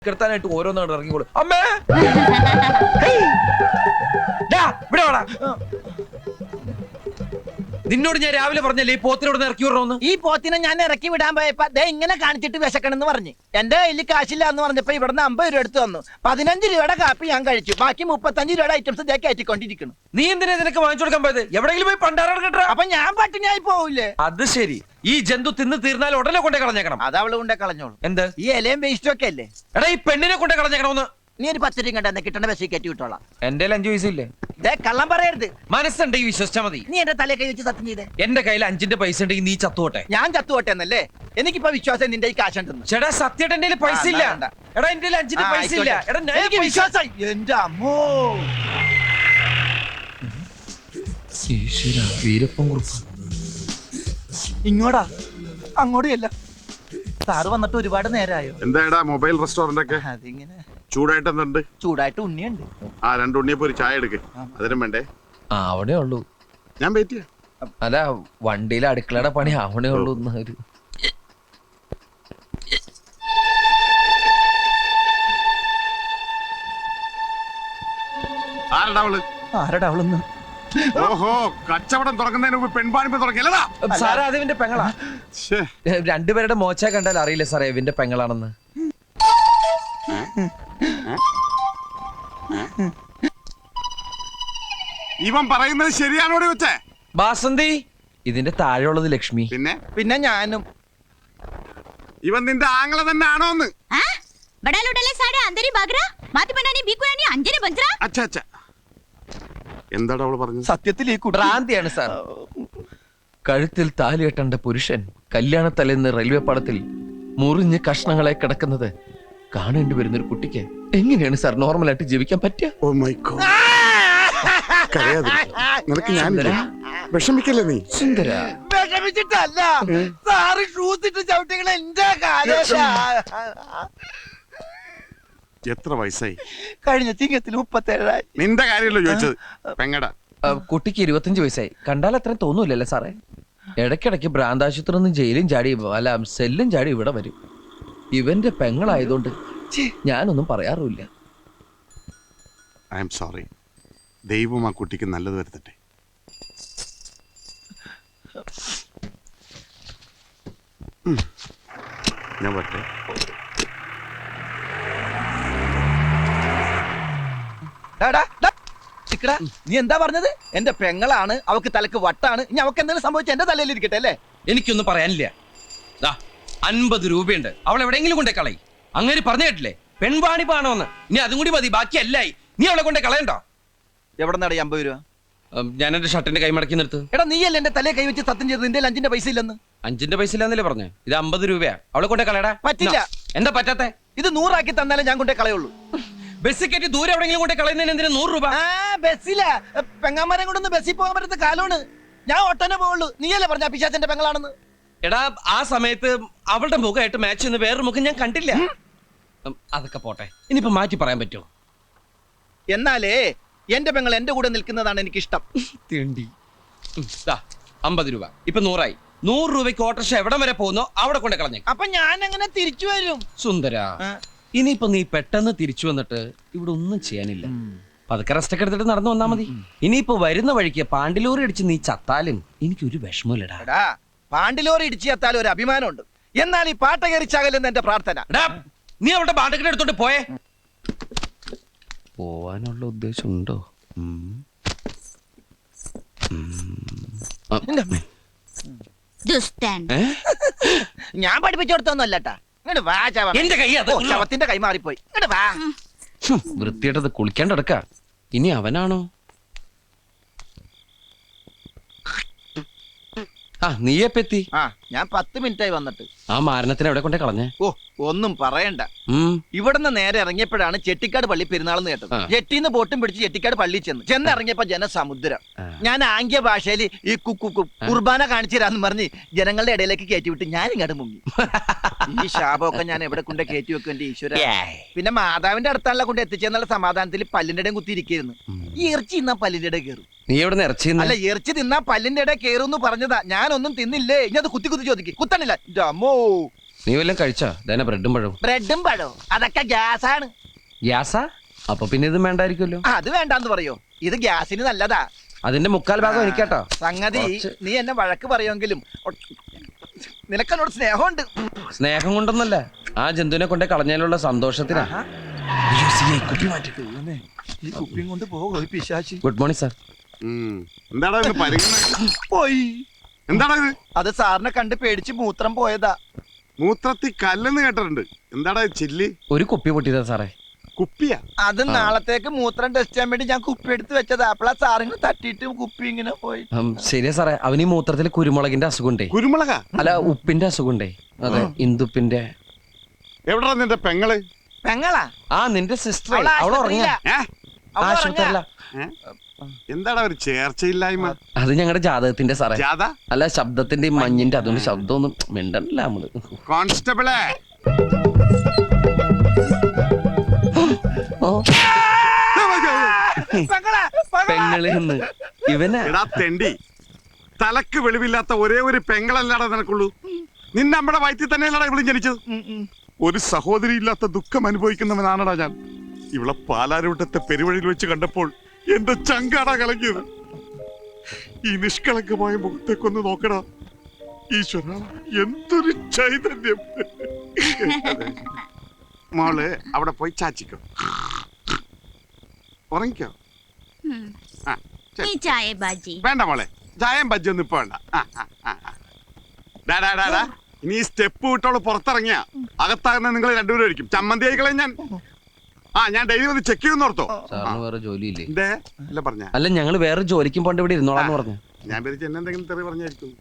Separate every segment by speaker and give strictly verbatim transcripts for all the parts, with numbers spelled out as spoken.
Speaker 1: കിടത്താനായിട്ട് ഓരോന്നാണ് ഇറങ്ങിക്കോളൂ. അമ്മേ ഇവിടെ വാടാ. നിന്നോട് ഞാൻ രാവിലെ പറഞ്ഞല്ലേ ഈ പോത്തിനോട് ഇറക്കി വിടണമെന്ന്.
Speaker 2: ഈ പോത്തിനെ ഞാൻ ഇറക്കി വിടാൻ പോയപ്പോ ദേ ഇങ്ങനെ കാണിച്ചിട്ട് വിശക്കണെന്ന് പറഞ്ഞു. എന്റെ കയ്യിൽ കാശില്ല എന്ന് പറഞ്ഞപ്പോ ഇവിടുന്ന് അമ്പത് രൂപ എടുത്തു തന്നു. പതിനഞ്ച് രൂപയുടെ കാപ്പി ഞാൻ കഴിച്ചു. ബാക്കി മുപ്പത്തഞ്ച് രൂപയുടെ ഐറ്റംസ് ഇതേ കയറ്റിക്കൊണ്ടിരിക്കുന്നു.
Speaker 1: നീ എന്തിനാ ഇതിനൊക്കെ വാങ്ങിച്ചു കൊടുക്കാൻ പോയത്? എവിടെയെങ്കിലും പോയി പണ്ടാറാണ് കേട്ടോ.
Speaker 2: അപ്പൊ ഞാൻ പട്ടിണിയായി പോവില്ലേ?
Speaker 1: അത് ശരി. ഈ ജന്തു തിന്ന് തീർന്നാൽ ഉടനെ കൊണ്ടേ കളഞ്ഞേക്കണം.
Speaker 2: അത് അവള് കൊണ്ടേ കളഞ്ഞോളൂ.
Speaker 1: എന്ത്
Speaker 2: ഈ ഇലയും വേസ്റ്റും ഒക്കെ അല്ലേ?
Speaker 1: എടാ ഈ പെണ്ണിനെ കൊണ്ടേ കളഞ്ഞേക്കണമെന്ന്.
Speaker 2: നീ ഒരു പത്ത് രൂപ കണ്ടെന്ന് കിട്ടണ ബസ്സിൽ കയറ്റി വിട്ടോളാം.
Speaker 1: എന്റെ അഞ്ചു പൈസയില്ലേ?
Speaker 2: ദേ കള്ളം പറയരുത്.
Speaker 1: മനസ്സുണ്ടെങ്കിൽ വിശ്വസിച്ചാ മതി.
Speaker 2: നീ എന്റെ തലയെ കൈ വെച്ച് സത്യം ചെയ്തേ.
Speaker 1: എന്റെ കയ്യിൽ അഞ്ചിന്റെ പൈസ ഉണ്ടെങ്കിൽ നീ ചത്തുപോട്ടെ.
Speaker 2: ഞാൻ ചത്തുപോട്ടെ എന്നല്ലേ? എനിക്കിപ്പോ വിശ്വാസം നിന്റെ ഈ കാശുണ്ടെന്ന്.
Speaker 1: ചേട്ടാ സത്യമായിട്ട് എന്റെ പൈസ ഇല്ല. എടാ എന്റെ അഞ്ചിന്റെ പൈസ ഇല്ല. എടാ
Speaker 2: എനിക്ക് വിശ്വാസം. എന്റെ അമ്മോ
Speaker 1: വീരപ്പൻ കുറുപ്പ്
Speaker 2: ഇങ്ങോട്ടാ അങ്ങോട്ടും സാറ് വന്നിട്ട് ഒരുപാട് നേരമായോ?
Speaker 3: എന്താ മൊബൈൽ റെസ്റ്റോറന്റ് ഒക്കെ
Speaker 2: അതിങ്ങനെ
Speaker 3: ചൂടായിട്ട് എന്തുണ്ട്?
Speaker 2: ചൂടായിട്ട് ഉണ്ണിയുണ്ട്.
Speaker 3: ആ രണ്ട് ഉണ്ണിയപ്പോ ഒരു ചായ എടുക്ക്. അതിനും വേണ്ടേ?
Speaker 1: ആ അവിടെ ഉള്ളൂ.
Speaker 3: ഞാൻ വെയിറ്റ് ചെയ്യാം.
Speaker 1: അല്ല വണ്ടിയിലെ അടുക്കളയുടെ പണി അവിടെ ഉള്ളൂ. ഒരു
Speaker 3: ആരടാ അവള്?
Speaker 2: ആരടാ അവളെന്ന്?
Speaker 3: ഓഹോ, കച്ചവടം തുറക്കുന്നതിന് മുമ്പ് പെൺപാണിപ്പ് തുറക്കില്ലതാ.
Speaker 1: സാറേ അത് ഇവന്റെ പെങ്ങളാ. രണ്ടുപേരുടെ മോച്ച കണ്ടാൽ അറിയില്ല സാറേ ഇവന്റെ പെങ്ങളാണെന്ന്.
Speaker 3: ഇവൻ പറയുന്നത് ശരിയാണോ വെച്ചേ?
Speaker 1: ബാസന്തി ഇതിന്റെ താഴെയുള്ളത് ലക്ഷ്മി.
Speaker 3: പിന്നെ
Speaker 2: പിന്നെ ഞാനും.
Speaker 3: ഇവൻ നിന്റെ ആങ്ങളെ തന്നെ ആണോന്ന്? എന്താടാ അവള് പറഞ്ഞത്?
Speaker 2: സത്യത്തിൽ ഈ
Speaker 1: ഭ്രാന്തിയാണ് സാർ. കഴുത്തിൽ താലി കെട്ടേണ്ട പുരുഷൻ കല്യാണത്തലേന്ന് റെയിൽവേ പാളത്തിൽ മുറിഞ്ഞ് കഷ്ണങ്ങളെ കിടക്കുന്നത് കാണേണ്ടി വരുന്ന ഒരു കുട്ടിക്ക് എങ്ങനെയാണ് സാർ നോർമലായിട്ട് ജീവിക്കാൻ പറ്റുക?
Speaker 3: Oh my God. നിനക്ക് ഞാൻ വിഷമിക്കല്ലേ നീ?
Speaker 1: സുന്ദര
Speaker 2: വിഷമിച്ചിട്ടല്ല സാറ് ഷൂസ് ഇട്ട് ചവിട്ടികൾ എന്റെ
Speaker 3: എത്ര വയസ്സായി?
Speaker 2: കഴിഞ്ഞ ചിങ്ങത്തിൽ മുപ്പത്തേഴായി.
Speaker 3: നിന്റെ കാര്യമല്ലോ ചോദിച്ചത്. പെങ്ങടാ
Speaker 1: കുട്ടിക്ക് ഇരുപത്തഞ്ച് വയസ്സായി. കണ്ടാൽ അത്രയും തോന്നൂലല്ലേ സാറേ? ഇടയ്ക്കിടയ്ക്ക് ഭ്രാന്താശുപത്രി നിന്ന് ജയിലും ചാടി അല്ല സെല്ലും ചാടി ഇവിടെ വരും. ഇവന്റെ പെങ്ങളായതുകൊണ്ട് ഞാനൊന്നും പറയാറുമില്ല.
Speaker 3: I am sorry. ദൈവം ആ കുട്ടിക്ക് നല്ലത് വരുത്തട്ടെ. ഞാൻ വരട്ടെ.
Speaker 2: നീ എന്താ പറഞ്ഞത്? എന്റെ പെങ്ങളാണ്, അവക്ക് തലക്ക് വട്ടാണ്. ഇനി അവക്ക് എന്തെങ്കിലും സംഭവിച്ച എന്റെ തലയിൽ ഇരിക്കട്ടെ അല്ലേ?
Speaker 1: എനിക്കൊന്നും പറയാനില്ല. അൻപത് രൂപയുണ്ട്, അവൾ എവിടെയെങ്കിലും കൊണ്ടേ കളയി. അങ്ങനെ പറഞ്ഞു കേട്ടില്ലേ പെൺവാണിപ്പാണോന്ന്? ഇനി അതും കൂടി മതി, ബാക്കി അല്ലായി. നീ അവളെ കൊണ്ടേ കളയണ്ടോ?
Speaker 2: എവിടെ നിന്നാണ് അമ്പത് രൂപ?
Speaker 1: ഞാൻ എന്റെ ഷർട്ടിന്റെ കൈ മടക്കി നിർത്ത്.
Speaker 2: എടാ നീയല്ലേ എന്റെ തലയെ കൈ വെച്ച് സത്യം ചെയ്ത് നിന്റെ അഞ്ചിന്റെ പൈസ ഇല്ലെന്ന്?
Speaker 1: അഞ്ചിന്റെ പൈസ ഇല്ലാന്നല്ലേ പറഞ്ഞേ? ഇത് അമ്പത് രൂപയാ. അവളെ കൊണ്ടേ കളയടാ.
Speaker 2: പറ്റില്ല.
Speaker 1: എന്താ പറ്റാത്തെ?
Speaker 2: ഇത് നൂറാക്കി തന്നാലേ ഞാൻ കൊണ്ടേ കളയുള്ളൂ.
Speaker 1: ബസ്സിൽ കയറ്റി ദൂരെ എവിടെയെങ്കിലും കൊണ്ടേ കളയുന്നതിന് എന്തിനാ നൂറ് രൂപ?
Speaker 2: ബസ്സില പെങ്ങാമരം കൊണ്ടൊന്ന് ബസ്സിൽ പോകാൻ പറ്റുന്ന കാലമാണ്. ഞാൻ ഒട്ടനെ പോവുള്ളൂ. നീയല്ലേ പറഞ്ഞ പിശാചന്റെ പെങ്ങളാണെന്ന്?
Speaker 1: എടാ ആ സമയത്ത് അവളുടെ മുഖമായിട്ട് മാച്ച് ചെയ്യുന്ന വേറൊരു മുഖം ഞാൻ കണ്ടില്ല. അതൊക്കെ പോട്ടെ, ഇനിയിപ്പോ മാറ്റി പറയാൻ പറ്റുമോ?
Speaker 2: എന്നാലേ എന്റെ പെങ്ങൾ എന്റെ കൂടെ നിൽക്കുന്നതാണ് എനിക്കിഷ്ടം.
Speaker 1: അമ്പത് രൂപ ഇപ്പൊ നൂറായി. നൂറ് രൂപയ്ക്ക് ഓട്ടോറിക്ഷ എവിടം വരെ പോകുന്നോ അവിടെ കൊണ്ട് കളഞ്ഞേ.
Speaker 2: അപ്പൊ ഞാൻ അങ്ങനെ തിരിച്ചു വരും.
Speaker 1: സുന്ദര, ഇനിയിപ്പോ നീ പെട്ടെന്ന് തിരിച്ചു വന്നിട്ട് ഇവിടെ ഒന്നും ചെയ്യാനില്ല. പതുക്കെ റെസ്റ്റ് ഒക്കെ എടുത്തിട്ട് നടന്നു വന്നാ മതി. ഇനിയിപ്പോ വരുന്ന വഴിക്ക് പാണ്ടിലോറി അടിച്ച് നീ ചത്താലും എനിക്കൊരു വിഷമമില്ലടാ.
Speaker 2: പാണ്ടിലോറി ഇടിച്ചു ചത്താലും ഒരു അഭിമാനമുണ്ട്. എന്നാൽ ഈ പാട്ട കയറിച്ചാകലെന്ന് എന്റെ പ്രാർത്ഥന.
Speaker 1: നീ അവളുടെ പാട്ടൊക്കെ എടുത്തോണ്ട് പോയേ. പോവാനുള്ള ഉദ്ദേശം ഉണ്ടോ?
Speaker 2: ഞാൻ പഠിപ്പിച്ചു കൊടുത്തൊന്നുമല്ലട്ടാ. ഇങ്ങോട്ട് വാ.
Speaker 1: എന്റെ കൈ
Speaker 2: ശവത്തിന്റെ കൈ മാറിപ്പോയി. ഇങ്ങോട്ട് വാ.
Speaker 1: വൃത്തിയായിട്ടത് കുളിക്കാണ്ട് കിടക്ക. ഇനി അവനാണോ? ആ നീയെപ്പെത്തി?
Speaker 2: ആ ഞാൻ പത്ത് മിനിറ്റ് ആയി വന്നിട്ട്.
Speaker 1: ആ മാരണത്തിന് എവിടെ കൊണ്ടേ കളഞ്ഞേ?
Speaker 2: ഓ ഒന്നും പറയണ്ട. ഇവിടുന്ന് നേരെ ഇറങ്ങിയപ്പോഴാണ് ചെട്ടിക്കാട് പള്ളി പെരുന്നാളെന്ന് കേട്ടത്. ജെട്ടിന്ന് ബോട്ടും പിടിച്ച് ചെട്ടിക്കാട് പള്ളി ചെന്ന് ചെന്ന് ഇറങ്ങിയപ്പോ ജനസമുദ്രം. ഞാൻ ആംഗ്യ ഭാഷയിൽ ഈ കുക്കു കുർബാന കാണിച്ചു തരാന്ന് പറഞ്ഞ് ജനങ്ങളുടെ ഇടയിലേക്ക് കയറ്റി വിട്ട് ഞാൻ ഇങ്ങോട്ട് മുങ്ങി. ഈ ശാപമൊക്കെ ഞാൻ എവിടെ കൊണ്ട് കയറ്റി വെക്കും എന്റെ ഈശ്വര. പിന്നെ മാതാവിന്റെ അടുത്താണല്ലോ കൊണ്ട് എത്തിച്ചെന്നുള്ള സമാധാനത്തിൽ പല്ലിന്റെ ഇടയും കുത്തിയിരിക്കുന്നു. ഈ ഇറച്ചി തിന്നാ പല്ലിന്റെ ഇടയിൽ കയറും.
Speaker 1: നീ എവിടെ ഇറച്ചി?
Speaker 2: അല്ല ഇറച്ചി തിന്നാ പല്ലിന്റെ ഇടയിൽ കയറും എന്ന് പറഞ്ഞതാ. ഞാനൊന്നും തിന്നില്ലേ. ഇനി അത് കുത്തി കുത്തി ചോദിക്കും. കുത്തണില്ല.
Speaker 4: നീ വല്ലതും കഴിച്ചോ? ഇതന്നെ ബ്രെഡും പഴവും.
Speaker 2: ബ്രെഡും പഴവും അതൊക്കെ ഗ്യാസാണ്.
Speaker 4: ഗ്യാസാ? അപ്പൊ പിന്നെ ഇത് വേണ്ടായിരിക്കുമല്ലോ.
Speaker 2: അത് വേണ്ടാന്ന് പറയോ? ഇത് ഗ്യാസിന് നല്ലതാ.
Speaker 4: അതിന്റെ മുക്കാൽ ഭാഗം എനിക്കാട്ടോ.
Speaker 2: സംഗതി
Speaker 4: കുറച്ച്.
Speaker 2: നീ എന്നെ വഴക്ക് പറയുമെങ്കിലും നിനക്കെന്നോട് സ്നേഹമുണ്ട്.
Speaker 4: സ്നേഹം കൊണ്ടൊന്നല്ല, ആ ജന്തുവിനെ കൊണ്ട് കളഞ്ഞതിലുള്ള സന്തോഷത്തിനാ.
Speaker 2: ഈ കുപ്പിയും കൊണ്ട് പോകും പിശാചി.
Speaker 4: Good morning sir.
Speaker 3: ഉം. എന്താടാ ഇത് പരിഗണന?
Speaker 2: പോയി.
Speaker 3: എന്താടാ ഇത്?
Speaker 2: അത് സാറിനെ കണ്ട് പേടിച്ച് മൂത്രം പോയതാ.
Speaker 3: മൂത്രത്തി കല്ലെന്ന് കേട്ടിട്ടുണ്ട്. എന്താടാ ഇത് ചില്ലി?
Speaker 4: ഒരു കുപ്പി പൊട്ടിയതാ സാറേ.
Speaker 3: കുപ്പിയാ?
Speaker 2: അത് നാളത്തേക്ക് മൂത്രം ടെസ്റ്റ് ചെയ്യാൻ വേണ്ടി ഞാൻ കുപ്പി എടുത്ത് വെച്ചതാ. അപ്പളാ സാറിന് തട്ടിയിട്ട് കുപ്പി ഇങ്ങനെ പോയി.
Speaker 4: ഉം, ശരിയാ സാറേ, അവന് ഈ മൂത്രത്തിൽ കുരുമുളകിന്റെ അസുഖമുണ്ടേ.
Speaker 3: കുരുമുളകാ?
Speaker 4: അല്ല, ഉപ്പിന്റെ അസുഖമുണ്ടേ. അതെ, ഇന്ദുപ്പിന്റെ.
Speaker 3: എവിടാ നിന്റെ പെങ്ങള്?
Speaker 2: പെങ്ങളാ?
Speaker 4: ആ, നിന്റെ സിസ്റ്റർ.
Speaker 2: അവള്
Speaker 4: അവള് ഉറങ്ങിയ
Speaker 2: ആശുപത്രിയിലാ.
Speaker 3: ഏ?
Speaker 2: അവള്
Speaker 4: ആശുപത്രിയല്ല.
Speaker 3: ഏ? എന്താടാ ഒരു ചേർച്ചയില്ലായ്മ?
Speaker 4: അത് ഞങ്ങളുടെ ജാതകത്തിന്റെ സാറേ.
Speaker 3: ജാഥ?
Speaker 4: അല്ല, ശബ്ദത്തിന്റെ ഈ മഞ്ഞിന്റെ അതുകൊണ്ട് ശബ്ദമൊന്നും മിണ്ടല്ല നമ്മള്.
Speaker 3: കോൺസ്റ്റബിളെ,
Speaker 4: ഓ,
Speaker 2: പെങ്ങളാ, പെങ്ങളാ.
Speaker 4: പെങ്ങളിന്ന് ഇവനാ.
Speaker 3: എടാ തെണ്ടി, തലക്ക് വെളിവില്ലാത്ത ഒരേ ഒരു പെങ്ങളല്ലാടാ നിനക്കുള്ളൂ. നിന്നെ നമ്മുടെ വയറ്റിൽ തന്നെയല്ലടാ ഇവളും ജനിച്ചത്.
Speaker 2: ഉം, ഉം.
Speaker 3: ഒരു സഹോദരി ഇല്ലാത്ത ദുഃഖം അനുഭവിക്കുന്നവനാണടാ ഞാൻ. ഇവളെ പാലാരൂട്ടത്തെ പെരുവഴിയിൽ വെച്ച് കണ്ടപ്പോൾ എന്റെ ചങ്കാടാ കലങ്ങിയത്. ഈ നിഷ്കളങ്കമായ മുഖത്തേക്കൊന്ന് നോക്കടാ. ഈശ്വര, എന്തൊരു ചൈതന്യം. മോള് അവിടെ പോയി ചാച്ചിക്കോ, ഉറങ്ങിക്കോ.
Speaker 5: ഉം.
Speaker 3: ആ, ശരി.
Speaker 5: ഈ ചായ ബാജി
Speaker 3: വേണ്ട മോളെ, ചായം ബജ്ജൊന്നും ഇപ്പൊ വേണ്ട. ആ, ആ, ആ, ആ. ഡാ, ഡാ, ഡാ, ഡാ. ഇനി ഈ സ്റ്റെപ്പ് വിട്ടോള് പുറത്തിറങ്ങിയ അകത്താകുന്ന നിങ്ങൾ രണ്ടുപേരും ആയിരിക്കും. ചമ്മന്തി ആയിക്കളെ ഞാൻ. ആ, ഞാൻ ഡെയിലി ഒന്ന് ചെക്ക് ചെയ്യുന്ന ഓർത്തോ.
Speaker 4: സാറിന് വേറെ ജോലിയില്ലേ?
Speaker 3: എന്തേ അല്ല പറഞ്ഞ?
Speaker 4: അല്ല, ഞങ്ങള് വേറെ ജോലിക്കും പോണ്ട് ഇവിടെ ഇരുന്നോളാന്ന് പറഞ്ഞു.
Speaker 3: ഞാൻ പേരിച്ച് എന്നെ എന്തെങ്കിലും തെറി പറഞ്ഞായിരിക്കും.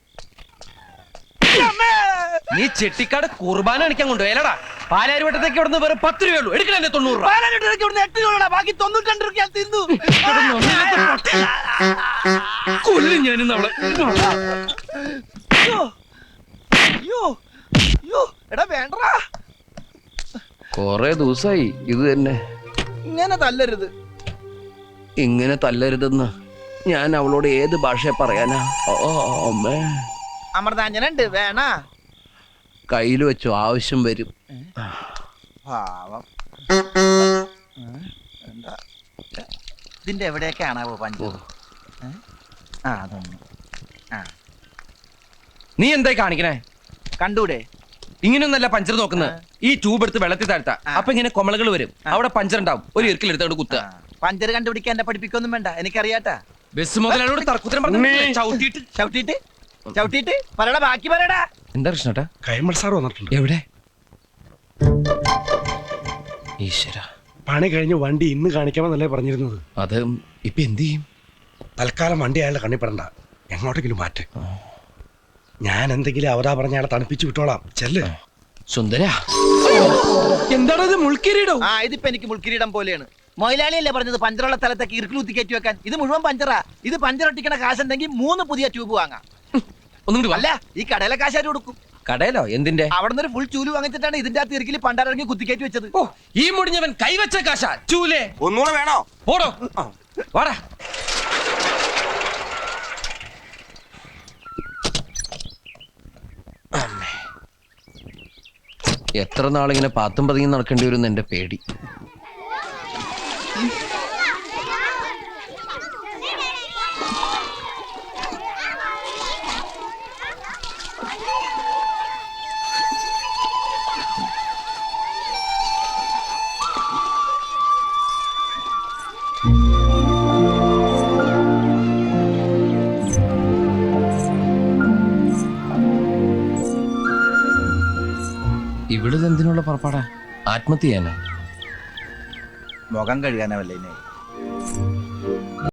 Speaker 4: നീ ചെട്ടിക്കാട് കുർബാന അടിക്കാൻ കൊണ്ടുപോയല്ലടാ. പാലാരിവട്ടത്തേക്ക് ഇവിടുന്ന് വേറെ പത്ത് രൂപയുള്ളൂ. എടുക്കണേ തൊണ്ണൂറ് രൂപ.
Speaker 2: പാലാരിവട്ടത്തേക്ക് ഇവിടുന്ന് എട്ട് രൂപ, ബാക്കി തൊണ്ണൂറ്റി രൂപ ഞാൻ തിന്നു.
Speaker 4: കൊല്ലും ഞാനിന്ന് അവളെ.
Speaker 2: അയ്യോ, അയ്യോ, അയ്യോ, എടാ വേണ്ടടാ.
Speaker 4: കൊറേ ദിവസായി ഇത് തന്നെ.
Speaker 2: ഇങ്ങനെ തല്ലരുത്.
Speaker 4: ഇങ്ങനെ തല്ലരുതെന്ന് ഞാൻ അവളോട് ഏത് ഭാഷ പറയാനാ? ഓ അമ്മേ,
Speaker 2: അമൃതാഞ്ജനുണ്ട്, വേണ?
Speaker 4: കയ്യിൽ വെച്ചു, ആവശ്യം വരും.
Speaker 2: പാവം. എന്താ ഇതിന്റെ എവിടെയൊക്കെയാണാവോ പഞ്ചു? ആ, അതൊന്നും. ആ,
Speaker 4: നീ എന്തായി കാണിക്കണേ?
Speaker 2: കണ്ടൂടെ?
Speaker 4: ഇങ്ങനെയൊന്നല്ല പഞ്ചർ നോക്കുന്നത്. ഈ ട്യൂബ് എടുത്ത് വെള്ളത്തിൽ താഴ്ത്താ.
Speaker 2: ആ.
Speaker 4: അപ്പൊ ഇങ്ങനെ കൊമളകൾ വരും. അവിടെ പഞ്ചർ ഉണ്ടാവും. ഒരു ഇറുക്കിൽ എടുത്തോണ്ട് കുത്തുക.
Speaker 2: പഞ്ചർ കണ്ടുപിടിക്കാൻ എന്നെ പഠിപ്പിക്കൊന്നും വേണ്ട, എനിക്കറിയാട്ടാ.
Speaker 4: ബസ് മുതലോട് തർക്കുത്തരം പറഞ്ഞു ചവിട്ടിയിട്ട്.
Speaker 2: ചവിട്ടിട്ട് ചവിട്ടിട്ട് പറയടാ, ബാക്കി പറയടാ.
Speaker 4: എന്താ കൃഷ്ണേട്ടാ?
Speaker 6: കൈമൾ സാർ വന്നിട്ടുണ്ട്.
Speaker 4: എവിടെ? ഈശ്വര,
Speaker 6: പണി കഴിഞ്ഞ് വണ്ടി ഇന്ന് കാണിക്കാമെന്നല്ലേ പറഞ്ഞിരുന്നത്.
Speaker 4: അത് ഇപ്പൊ എന്ത് ചെയ്യും?
Speaker 6: തൽക്കാലം വണ്ടി അയാളുടെ കണ്ണിപ്പെടണ്ട, എങ്ങോട്ടെങ്കിലും മാറ്റ്. ഞാൻ എന്തെങ്കിലും അവതാ പറഞ്ഞ അയാളെ തണുപ്പിച്ച് വിട്ടോളാം. ചെല്ല്.
Speaker 4: സുന്ദര, എന്താണത്? മുൾക്കിരീടോ?
Speaker 2: ആ, ഇതിപ്പോ എനിക്ക് മുൾക്കിരീടം പോലെയാണ്. മൊയിലാളിയല്ലേ പറഞ്ഞത് പഞ്ചറുള്ള സ്ഥലത്തേക്ക് ഇറുക്കിൽ കുത്തി കയറ്റി വെക്കാൻ? ഇത് മുഴുവൻ പഞ്ചറാ. ഇത് പഞ്ചർ ഒട്ടിക്കണ കാശുണ്ടെങ്കിൽ മൂന്ന് പുതിയ ട്യൂബ് വാങ്ങാം.
Speaker 4: ഒന്നും
Speaker 2: അല്ല, ഈ കടയിലെ കാശാര് കൊടുക്കും.
Speaker 4: കടയിലോ? എന്തിന്റെ?
Speaker 2: അവിടെ നിന്ന് ഒരു ഫുൾ ചൂല് വാങ്ങിച്ചിട്ടാണ് ഇതിന്റെ അകത്ത് ഇറുക്കിൽ പണ്ടാരിറങ്ങി കുത്തിക്കയറ്റി വെച്ചത്.
Speaker 4: ഓ, ഈ മുടിഞ്ഞവൻ കൈവച്ച കാശ ചൂലേ.
Speaker 2: ഒന്നുകൂടെ വേണോ?
Speaker 4: ഓടോ, വാടാ. എത്ര നാളിങ്ങനെ പാത്തും പതുങ്ങി നടക്കേണ്ടി വരും എന്റെ പേടി. ഇവിടെ എന്തിനുള്ള പുറപ്പാടാ? ആത്മഹത്യ ചെയ്യാനാ?
Speaker 2: മുഖം കഴുകാനാവല്ലേ?